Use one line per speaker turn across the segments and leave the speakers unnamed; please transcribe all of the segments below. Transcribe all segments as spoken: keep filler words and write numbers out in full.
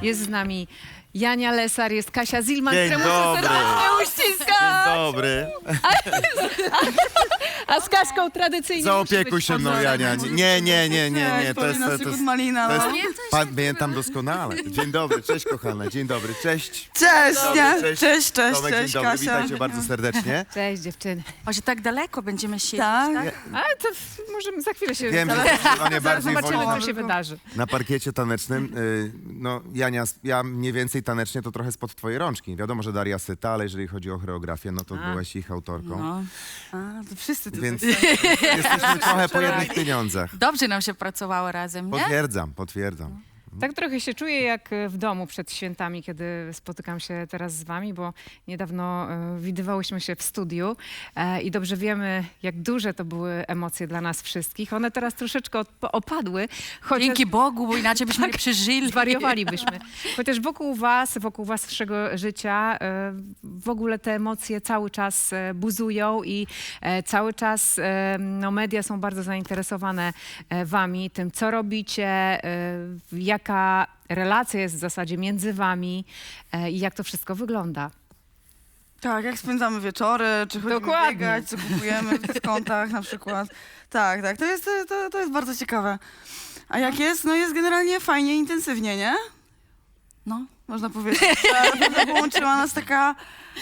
Jest z nami Jania Lesar, jest Kasia Zilman,
Dzień
któremu
dobry.
serdecznie uściskam.
Dzień dobry.
A z Kaszką tradycyjnie
Zaopiekuj się mną, Jania. Nie, nie, nie, nie, nie. To jest, to, to, jest,
Malina,
to
no.
jest, pamiętam doskonale. Dzień dobry, cześć kochana, dzień dobry, cześć.
Cześć,
Dobry,
nie?
cześć.
Cześć, cześć,
Tomek,
cześć,
dzień dobry,
Kasia.
witajcie bardzo serdecznie.
Cześć dziewczyny.
O, że tak daleko będziemy siedzieć,
Tak.
tak?
Ale to w- możemy za chwilę się...
Wiem, że
zaraz-
zdecydowanie
zaraz
bardziej
zobaczymy,
woli
co się wydarzy.
na parkiecie tanecznym. Y, No, Jania, ja mniej więcej tanecznie to trochę spod twojej rączki. Wiadomo, że Daria Syta, ale jeżeli chodzi o choreografię, no to
A.
byłaś ich autorką.
No.
A, to wszyscy tutaj.
Więc jesteśmy trochę po jednych pieniądzach.
Dobrze nam się pracowało razem, nie?
Potwierdzam, potwierdzam.
Tak trochę się czuję jak w domu przed świętami, kiedy spotykam się teraz z wami, bo niedawno e, widywałyśmy się w studiu e, i dobrze wiemy, jak duże to były emocje dla nas wszystkich. One teraz troszeczkę od, opadły, chociaż
Dzięki Bogu, bo inaczej byśmy nie przeżyli.
zwariowalibyśmy. Chociaż wokół was, wokół waszego życia e, w ogóle te emocje cały czas e, buzują i e, cały czas e, no, media są bardzo zainteresowane e, wami, tym co robicie, e, jaka relacja jest w zasadzie między wami e, i jak to wszystko wygląda.
Tak, jak spędzamy wieczory, czy chodzimy
Dokładnie.
biegać, co kupujemy w dyskontach na przykład. Tak, tak, to jest, to, to jest bardzo ciekawe. A jak jest? No jest generalnie fajnie, intensywnie, nie?
No.
Można powiedzieć, że naprawdę połączyła nas taka...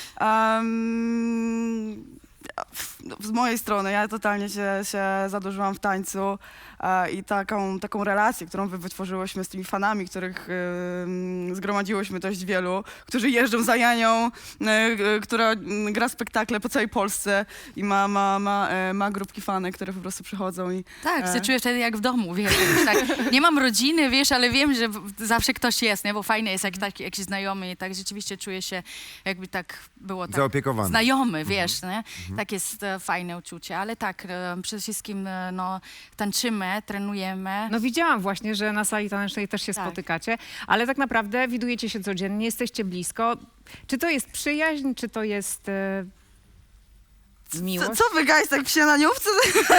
Um, z mojej strony, ja totalnie się, się zadłużyłam w tańcu e, i taką, taką relację, którą wy wytworzyłyśmy z tymi fanami, których e, zgromadziłyśmy dość wielu, którzy jeżdżą za Janią, e, e, która m, gra spektakle po całej Polsce i ma, ma, ma, e, ma grupki fanek, które po prostu przychodzą i...
Tak,
E.
się czuję wtedy jak w domu, wiesz. Tak. Nie mam rodziny, wiesz, ale wiem, że w- zawsze ktoś jest, nie? Bo fajne jest, jak taki jakiś znajomy i tak rzeczywiście czuję się, jakby tak było tak
Zaopiekowany.
znajomy, wiesz, nie? Tak jest e, fajne uczucie, ale tak, e, przede wszystkim e, no, tańczymy, trenujemy.
No widziałam właśnie, że na sali tanecznej też się
Tak.
spotykacie, ale tak naprawdę widujecie się codziennie, jesteście blisko. Czy to jest przyjaźń, czy to jest e,
Co,
miłość?
co wy guys, tak w śniadaniówce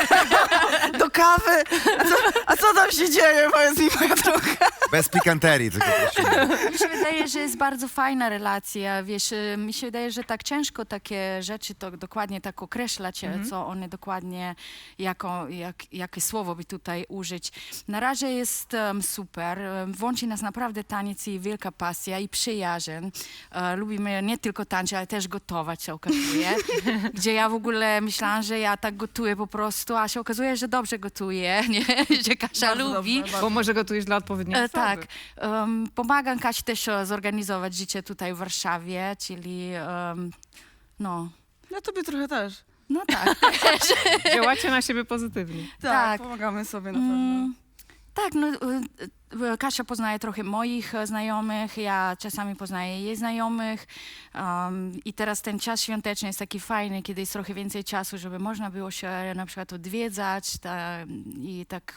do kawy? A co, a co tam się dzieje? Powiedz mi, moja droga.
Bez pikanterii, tylko prosimy.
Mi się wydaje, że jest bardzo fajna relacja, wiesz, y, mi się wydaje, że tak ciężko takie rzeczy to dokładnie tak określać,
Mhm.
co one dokładnie, jako, jak, jakie słowo by tutaj użyć. Na razie jest um, super, um, łączy nas naprawdę taniec i wielka pasja i przyjaźń. E, lubimy nie tylko tańczyć, ale też gotować, się okazuje, gdzie ja w ogóle myślałam, że ja tak gotuję po prostu, a się okazuje, że dobrze gotuję, nie? Że Kasia
Bardzo
lubi.
dobrze,
Bo może gotujesz dla odpowiedniej
E,
osoby.
tak. Um, pomagam Kasi też e, zorganizować życie tutaj w Warszawie, czyli um, no,
Ja tobie trochę też.
no tak.
Działacie na siebie pozytywnie.
Tak,
Tak.
pomagamy sobie na pewno.
Mm, tak, no, e, e, Kasia poznaje trochę moich e, znajomych, ja czasami poznaję jej znajomych um, i teraz ten czas świąteczny jest taki fajny, kiedy jest trochę więcej czasu, żeby można było się na przykład odwiedzać ta, i tak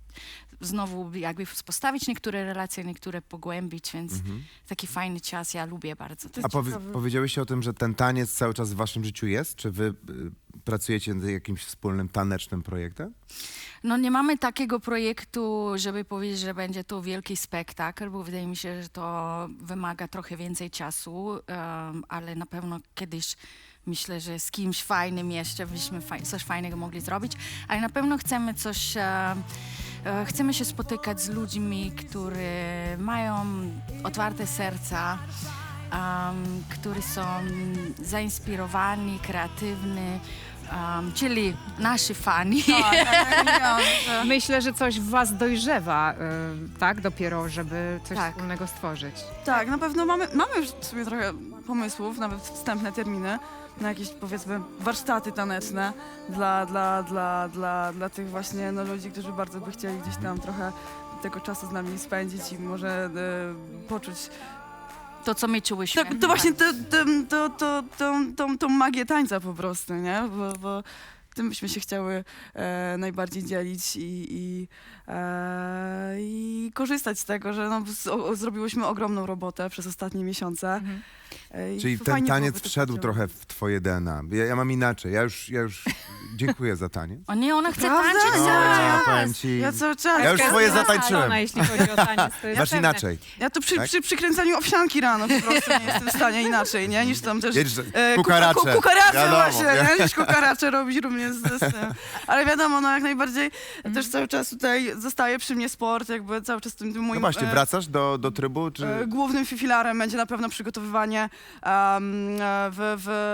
znowu jakby postawić niektóre relacje, niektóre pogłębić, więc taki fajny czas, ja lubię bardzo. To
A powie, powiedziałyście o tym, że ten taniec cały czas w waszym życiu jest? Czy wy y, pracujecie nad jakimś wspólnym tanecznym projektem?
No nie mamy takiego projektu, żeby powiedzieć, że będzie to wielki spektakl, bo wydaje mi się, że to wymaga trochę więcej czasu, um, ale na pewno kiedyś myślę, że z kimś fajnym jeszcze byśmy faj coś fajnego mogli zrobić, ale na pewno chcemy coś, e, e, chcemy się spotykać z ludźmi, którzy mają otwarte serca, um, którzy są zainspirowani, kreatywni, um, czyli nasi fani.
Tak, tak, jak mówiłam, że-
Myślę, że coś w was dojrzewa, y, tak, dopiero, żeby coś
Tak.
wspólnego stworzyć.
tak, na pewno mamy, mamy już w sumie trochę pomysłów, nawet wstępne terminy na jakieś, powiedzmy, warsztaty taneczne dla, dla, dla, dla, dla tych właśnie no, ludzi, którzy bardzo by chcieli gdzieś tam trochę tego czasu z nami spędzić i może e, poczuć
To, co my czułyśmy.
to, to właśnie to, to, to, to, tą, tą, tą magię tańca po prostu, nie? Bo, bo tym byśmy się chciały e, najbardziej dzielić i, i, e, i korzystać z tego, że no, z, o, zrobiłyśmy ogromną robotę przez ostatnie miesiące. E, i
Czyli
fajnie
ten taniec
byłoby to
wszedł
pociągnąć.
trochę w twoje D N A. Ja, ja mam inaczej. Ja już, ja już dziękuję za taniec.
O nie, ona chce
Prawda?
tańczyć
No,
cały
ja
czas.
powiem ci...
Ja cały czas.
Ja już swoje
Ona,
zatańczyłem.
jeśli chodzi o taniec, to jest
Masz
pewne.
inaczej.
Ja to przy,
Tak?
przy przykręcaniu owsianki rano po prostu nie jestem w stanie inaczej, nie? Niż tam też...
Jedź,
e,
kukaracze.
Ku, ku, kukaracze
Wiadomo,
właśnie,
wi-
nie? Niż kukaracze robić również z, z tym. Ale wiadomo, no jak najbardziej też cały czas tutaj zostaje przy mnie sport, jakby cały czas tym, tym moim...
No właśnie,
e,
wracasz do, do trybu, czy...
e, Głównym filarem będzie na pewno przygotowywanie em, e, w...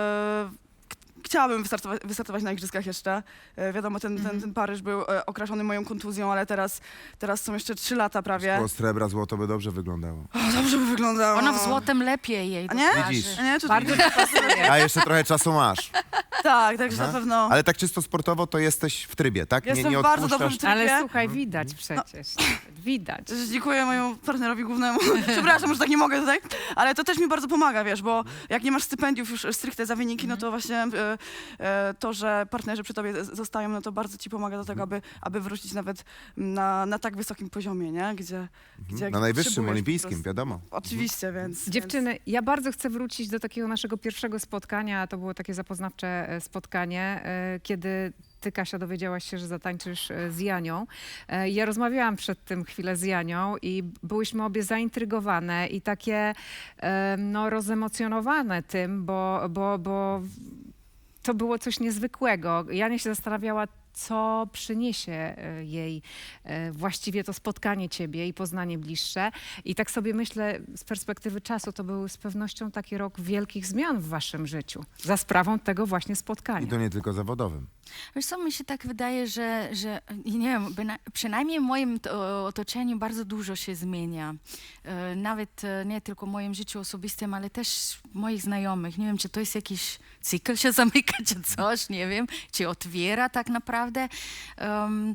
w Chciałabym wystartować, wystartować na igrzyskach jeszcze. E, wiadomo, ten, ten, ten Paryż był e, okraszony moją kontuzją, ale teraz, teraz są jeszcze trzy lata prawie.
Szkło, srebra, złoto by dobrze wyglądało.
O, dobrze by wyglądało.
Ona w złotym lepiej jej
A nie?
dokaże.
Widzisz.
A nie, to
Bardzo
A jeszcze trochę czasu masz.
Tak, także
Aha.
na pewno.
Ale tak czysto sportowo to jesteś w trybie, tak?
Jestem
nie, nie
w bardzo
odpuszczasz.
dobrym trybie.
Ale słuchaj, widać przecież. Widać.
Też dziękuję mojemu partnerowi głównemu. Przepraszam, że tak nie mogę tutaj, ale to też mi bardzo pomaga, wiesz, bo jak nie masz stypendiów już stricte za wyniki, no to właśnie e, e, to, że partnerzy przy tobie z- zostają, no to bardzo ci pomaga do tego, aby, aby wrócić nawet na, na tak wysokim poziomie, nie? Gdzie, gdzie
Na najwyższym
potrzebujesz po
olimpijskim,
prostu.
wiadomo.
Oczywiście, więc...
Dziewczyny, ja bardzo chcę wrócić do takiego naszego pierwszego spotkania. To było takie zapoznawcze e, spotkanie, e, kiedy ty, Kasia, dowiedziałaś się, że zatańczysz e, z Janią. E, Ja rozmawiałam przed tym chwilę z Janią i byłyśmy obie zaintrygowane i takie e, no, rozemocjonowane tym, bo, bo, bo to było coś niezwykłego. Jania się zastanawiała, co przyniesie e, jej e, właściwie to spotkanie ciebie i poznanie bliższe. I tak sobie myślę, z perspektywy czasu, to był z pewnością taki rok wielkich zmian w waszym życiu. Za sprawą tego właśnie
I
spotkania.
to nie tylko zawodowym.
Wiesz co, mi się tak wydaje, że, że nie wiem, byna- przynajmniej w moim to, otoczeniu bardzo dużo się zmienia. E, Nawet e, nie tylko w moim życiu osobistym, ale też moich znajomych. Nie wiem, czy to jest jakiś cykl się zamyka, czy coś, nie wiem, czy otwiera tak naprawdę. Um,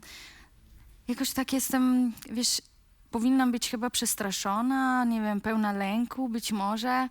jakoś tak jestem, wiesz, powinnam być chyba przestraszona, nie wiem, pełna lęku być może.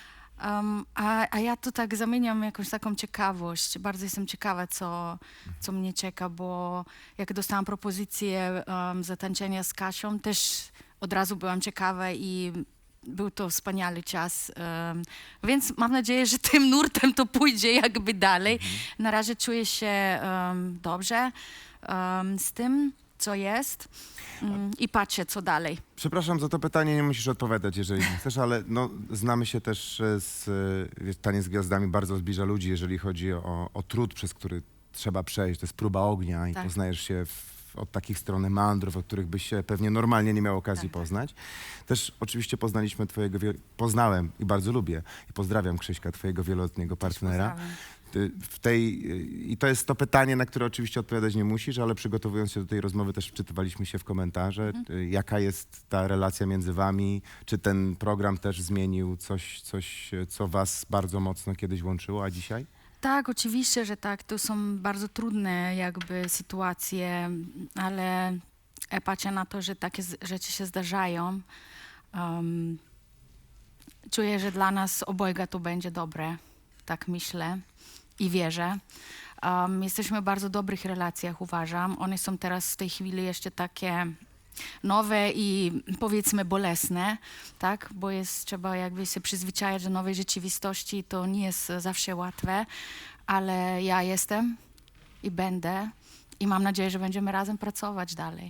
Um, a, a ja to tak zamieniam jakąś taką ciekawość. Bardzo jestem ciekawa, co, co mnie czeka, bo jak dostałam propozycję um, zatańczenia z Kasią, też od razu byłam ciekawa i był to wspaniały czas. Um, więc mam nadzieję, że tym nurtem to pójdzie jakby dalej. Na razie czuję się um, dobrze um, z tym, co jest um, i patrzę, co dalej.
Przepraszam za to pytanie, nie musisz odpowiadać, jeżeli nie chcesz, ale no, znamy się też e, z e, wiesz, Taniec z Gwiazdami bardzo zbliża ludzi, jeżeli chodzi o, o trud, przez który trzeba przejść. To jest próba ognia i
Tak.
poznajesz się w, od takich stron meandrów, od których byś się pewnie normalnie nie miał okazji
Tak.
poznać. Też oczywiście poznaliśmy twojego, wie- poznałem i bardzo lubię i pozdrawiam Krzyśka, twojego wieloletniego partnera.
Pozdrawiam.
Ty w tej, I to jest to pytanie, na które oczywiście odpowiadać nie musisz, ale przygotowując się do tej rozmowy też wczytywaliśmy się w komentarze. Y, Jaka jest ta relacja między wami? Czy ten program też zmienił coś, coś, co was bardzo mocno kiedyś łączyło, a dzisiaj?
Tak, oczywiście, że tak. To są bardzo trudne jakby sytuacje, ale ja patrzę na to, że takie z- rzeczy się zdarzają. Um, czuję, że dla nas obojga to będzie dobre. Tak myślę i wierzę. Um, jesteśmy w bardzo dobrych relacjach, uważam. One są teraz w tej chwili jeszcze takie nowe i powiedzmy bolesne, tak? Bo jest, trzeba jakby się przyzwyczajać do nowej rzeczywistości. To nie jest zawsze łatwe, ale ja jestem i będę i mam nadzieję, że będziemy razem pracować dalej.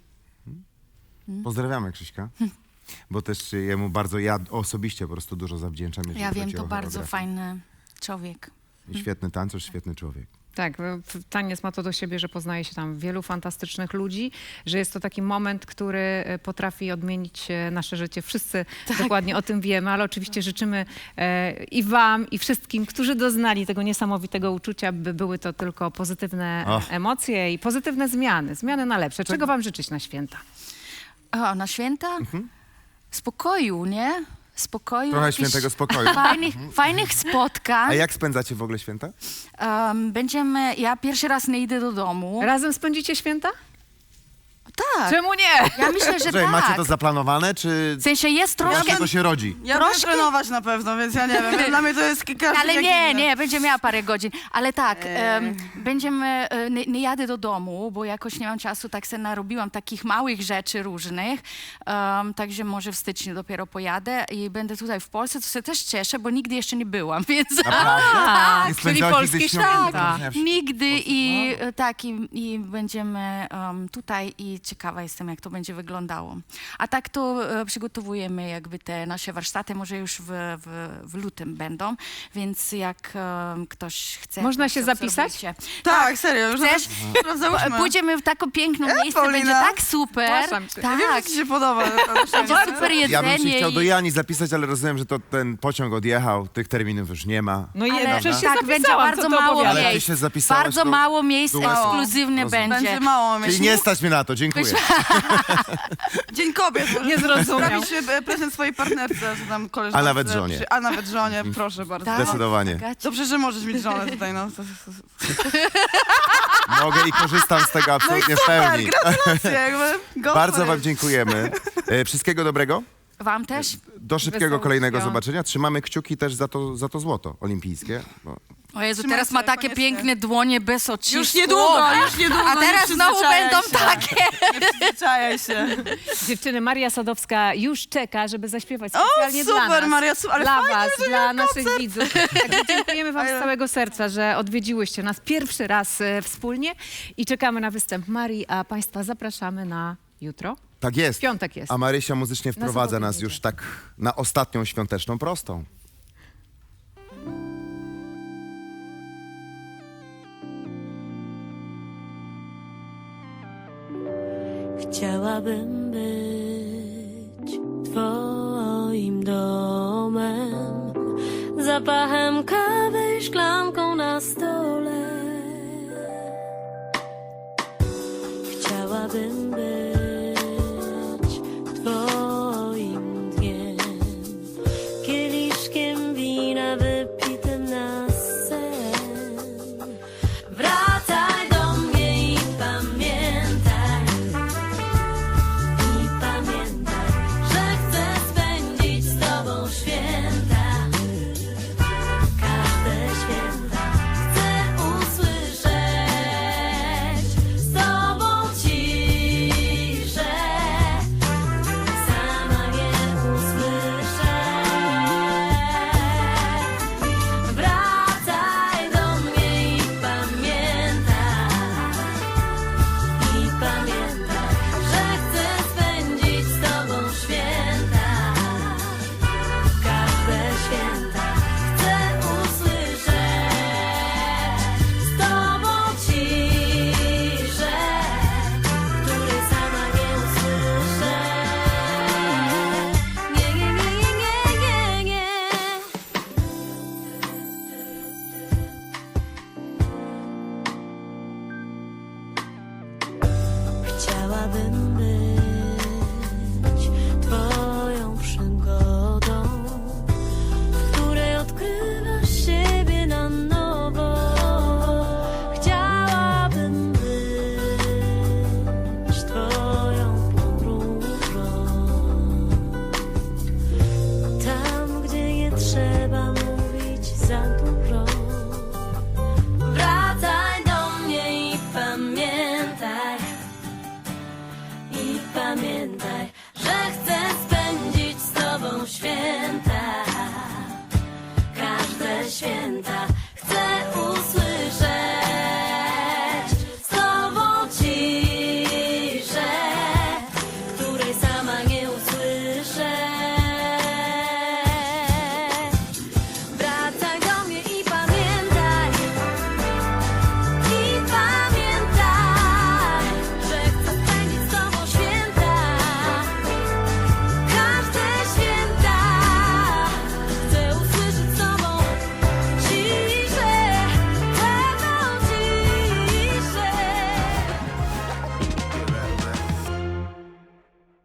Pozdrawiamy Krzyśka, bo też jemu bardzo, ja osobiście po prostu dużo zawdzięczam. jeżeli
Ja wiem,
chodzi
to
o
bardzo
choreografię.
fajny człowiek.
Świetny tancerz, świetny człowiek.
Tak, w- w- taniec ma to do siebie, że poznaje się tam wielu fantastycznych ludzi, że jest to taki moment, który e, potrafi odmienić e, nasze życie. Wszyscy dokładnie o tym wiemy, ale oczywiście życzymy e, i wam, i wszystkim, którzy doznali tego niesamowitego uczucia, by były to tylko pozytywne e,
Och.
emocje i pozytywne zmiany, zmiany na lepsze. Czego wam życzyć na święta?
O, na święta? Spokoju, nie? Spokoju.
Trochę
jakichś
świętego spokoju.
Fajnych, fajnych spotkań.
A jak spędzacie w ogóle święta?
Um, będziemy, ja pierwszy raz nie idę do domu.
Razem spędzicie święta?
tak.
Czemu nie?
Ja myślę, że
Słuchaj,
tak.
macie to zaplanowane, czy
W sensie jest troszkę...
właśnie to się rodzi?
Ja
Troszkę-
będę trenować na pewno, więc ja nie wiem. Dla mnie to jest kilka
Ale nie, nie, będzie miała parę godzin. Ale tak, em, będziemy, e, nie, nie jadę do domu, bo jakoś nie mam czasu, tak se narobiłam takich małych rzeczy różnych, um, także może w styczniu dopiero pojadę i będę tutaj w Polsce, to się też cieszę, bo nigdy jeszcze nie byłam, więc...
Naprawdę?
A,
Nie
czyli
spędzałaś
polskie
nigdy świąt?
święta.
Nigdy i e, tak, i, i będziemy um, tutaj i ciekawa jestem, jak to będzie wyglądało. A tak to e, przygotowujemy jakby te nasze warsztaty, może już w, w, w lutym będą, więc jak um, ktoś chce...
Można
to
się zapisać?
obserwujcie.
Tak, serio, już
Chcesz?
nawet sprawdzałyśmy.
Pójdziemy w takie piękne miejsce,
Paulina.
będzie tak super.
Zgłaszam się.
Ja wiem,
Tak,
że ci się podoba.
będzie super jedzenie.
Ja bym się chciał
i-
do Jani zapisać, ale rozumiem, że to ten pociąg odjechał, tych terminów już nie ma.
No i
Ale
przecież się
tak, będzie
zapisałam,
bardzo
co ty
mało
opowiadasz?
Ale ty
miejsc.
się zapisałaś,
Bardzo
to
mało miejsc
było-
ekskluzywne
Rozumiem.
będzie.
Będzie mało
Czyli
myśli.
nie stać mnie na to, dziękuję.
Dzień kobiet. może
Nie zrozumiał.
Sprawić e, prezent swojej partnerce, czy tam koleżance.
A nawet żonie.
Przy- A nawet żonie, proszę bardzo.
Tak.
Zdecydowanie.
Gaci.
Dobrze, że możesz mieć żonę tutaj, no. To- to-
Mogę i korzystam z tego absolutnie w
Super,
pełni.
gratulacje, jakby. Go
Bardzo
for
wam
it.
dziękujemy. E, Wszystkiego dobrego.
Wam też?
Do szybkiego
Wesołych
kolejnego
świąt.
zobaczenia. Trzymamy kciuki też za to, za to złoto olimpijskie. Bo
O Jezu,
Trzymajcie,
teraz ma takie
koniecznie.
piękne dłonie bez ocisku.
Już niedługo, już niedługo.
A
nie
teraz znowu
przyzwyczajaj
będą
się.
takie.
Nie przyzwyczajaj się.
Dziewczyny, Maria Sadowska już czeka, żeby zaśpiewać
O,
specjalnie dla
super,
nas.
Maria, su- ale
dla
fajnie,
was,
że
dla
miała
naszych widzów. Także dziękujemy wam z
Ale-
całego serca, że odwiedziłyście nas pierwszy raz e, wspólnie i czekamy na występ Marii, a państwa zapraszamy na jutro.
tak jest.
W piątek jest.
A Marysia muzycznie wprowadza
Sobotę
nas
będzie.
już tak na ostatnią świąteczną prostą.
Chciałabym być twoim domem, zapachem kawy, szklanką na stole.